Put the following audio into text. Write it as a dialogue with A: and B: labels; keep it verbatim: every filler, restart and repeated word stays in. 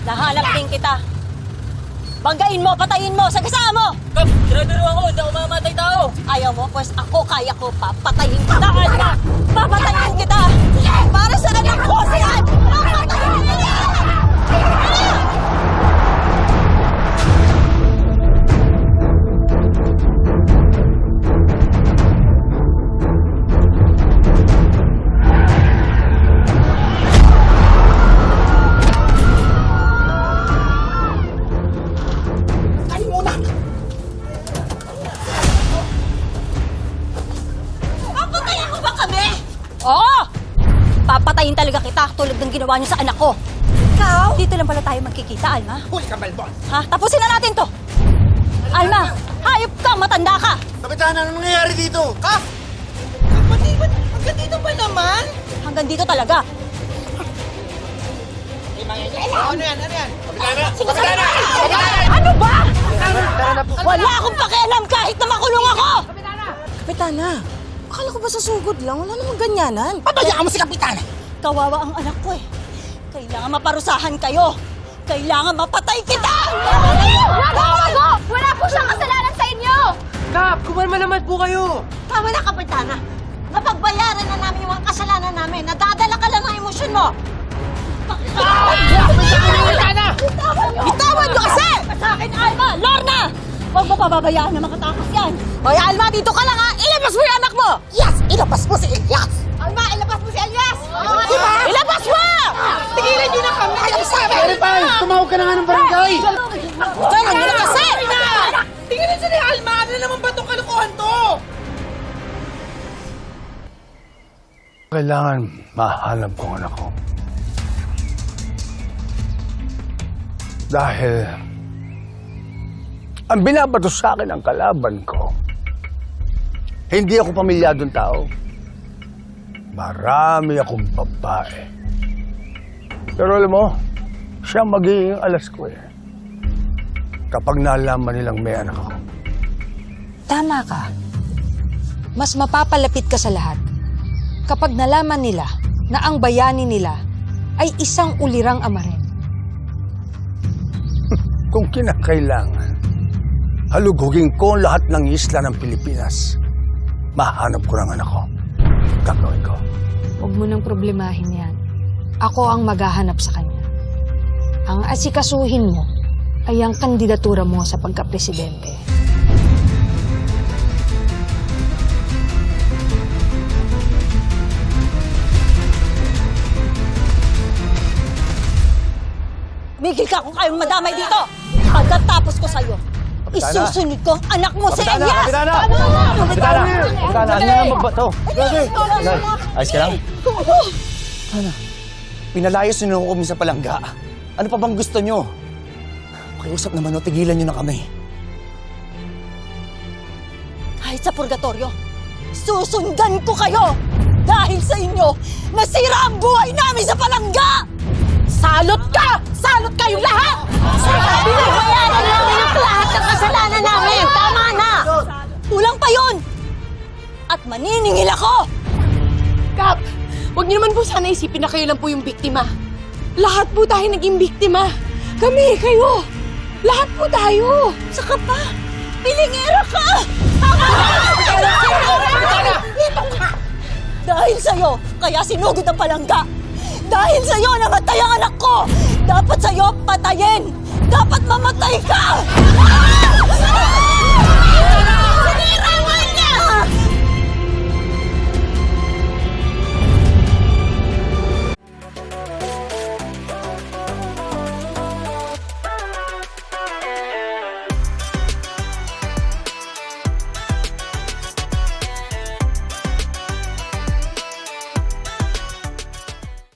A: Nahanap din kita. Banggain mo, patayin mo, sagasaan mo!
B: Kap, dinadaro ako, hindi ako mamamatay tao.
A: Ayaw mo, pues ako kaya ko, papatayin kita, Alma! Papatayin kita! Para sa anak ko, si Alma! Papatayin kita! Oo! Papatayin talaga kita tulad ng ginawa niyo sa anak ko. Ikaw? Dito lang pala tayo magkikita, Alma.
C: Huli ka, Balbon!
A: Ha? Tapusin na natin to! Alma, hayop ka, matanda ka!
C: Kapitan, ano nangyayari dito? Ka?
D: Kapatid, ba't hanggang dito ba naman?
A: Hanggang dito talaga.
D: Oh, ano yan, ano yan?
C: Kapitana!
A: Sige,
C: Kapitana!
A: sige.
C: Kapitana!
A: Ano ba? Wala akong pakialam kahit na makulong ako!
E: Kapitana, akala ko ba sa sugod lang? Wala namang ganyanan.
C: Pabayaan mo si Kapitana!
A: Kawawa ang anak ko eh. Kailangan maparusahan kayo. Kailangan mapatay kita!
F: Wala Wala po siyang kasalanan sa inyo!
D: Kap, kumalma naman po kayo.
E: Tama na, Kapitana. Napagbayaran na namin yung mga kasalanan namin. Nadadala ka lang ng emosyon mo.
C: Kapitana!
A: Bitawan niyo kasi! Sa akin, Alma! Lorna! Huwag mo pababayaan na makatakas yan. Hoy, Alma, dito ka lang ha! Ilabas mo yung anak mo!
C: Yes! Ilabas mo si Elias!
E: Alma, ilabas mo si Elias!
C: Diba?
A: Ilabas mo!
E: Tigilan niyo na kami!
C: Ayaw sabi! Verify! Tumawag ka na nga ng barangay!
A: Ganun nyo na kasi!
D: Tingnan niyo ni Alma, ano naman ba itong kalukuhan to?
G: Kailangan mahanap ko ang anak ko. Dahil ang binabato sa akin ang kalaban ko. Hindi ako pamilyadong tao. Marami akong babae. Pero alam mo, siya magiging alas ko eh. Kapag nalaman nilang may anak ako.
H: Tama ka. Mas mapapalapit ka sa lahat kapag nalaman nila na ang bayani nila ay isang ulirang ama rin.
G: Kung kinakailangan, halugugin ko ang lahat ng isla ng Pilipinas. Mahanap ko ng anak ko. Gagawin ko.
H: Huwag mo nang problemahin yan. Ako ang maghahanap sa kanya. Ang asikasuhin mo ay ang kandidatura mo sa pagkapresidente.
A: Migil ka kung kayong madamay dito! Pagkatapos ko sa'yo, isusunod ko ang anak mo si Elias!
G: Kapitana! Kapitana! Kapitana! Ano na magbato? Ayos ka lang?
C: Ano? Pinalayas niyo kami sa palangga. Ano pa bang gusto niyo? Pakiusap naman o, tigilan niyo na kami.
A: Kahit sa purgatorio, susundan ko kayo! Dahil sa inyo, nasira ang buhay namin sa palangga! Salot ka! Salot kayong lahat!
E: Binabayaran namin ang lahat ng kasalanan namin. Tama na!
A: Kulang pa yun! At maniningil ako!
E: Kap, huwag niyo naman po sana isipin na kayo lang po yung biktima. Lahat po tayo naging biktima. Kami, kayo. Lahat po tayo.
A: Saka pa, pilingera ka! Dahil sa'yo, kaya sinugod ang palangga. Dahil sa'yo, namatay ang anak ko! Dapat sa'yo patayin! Dapat mamatay ka!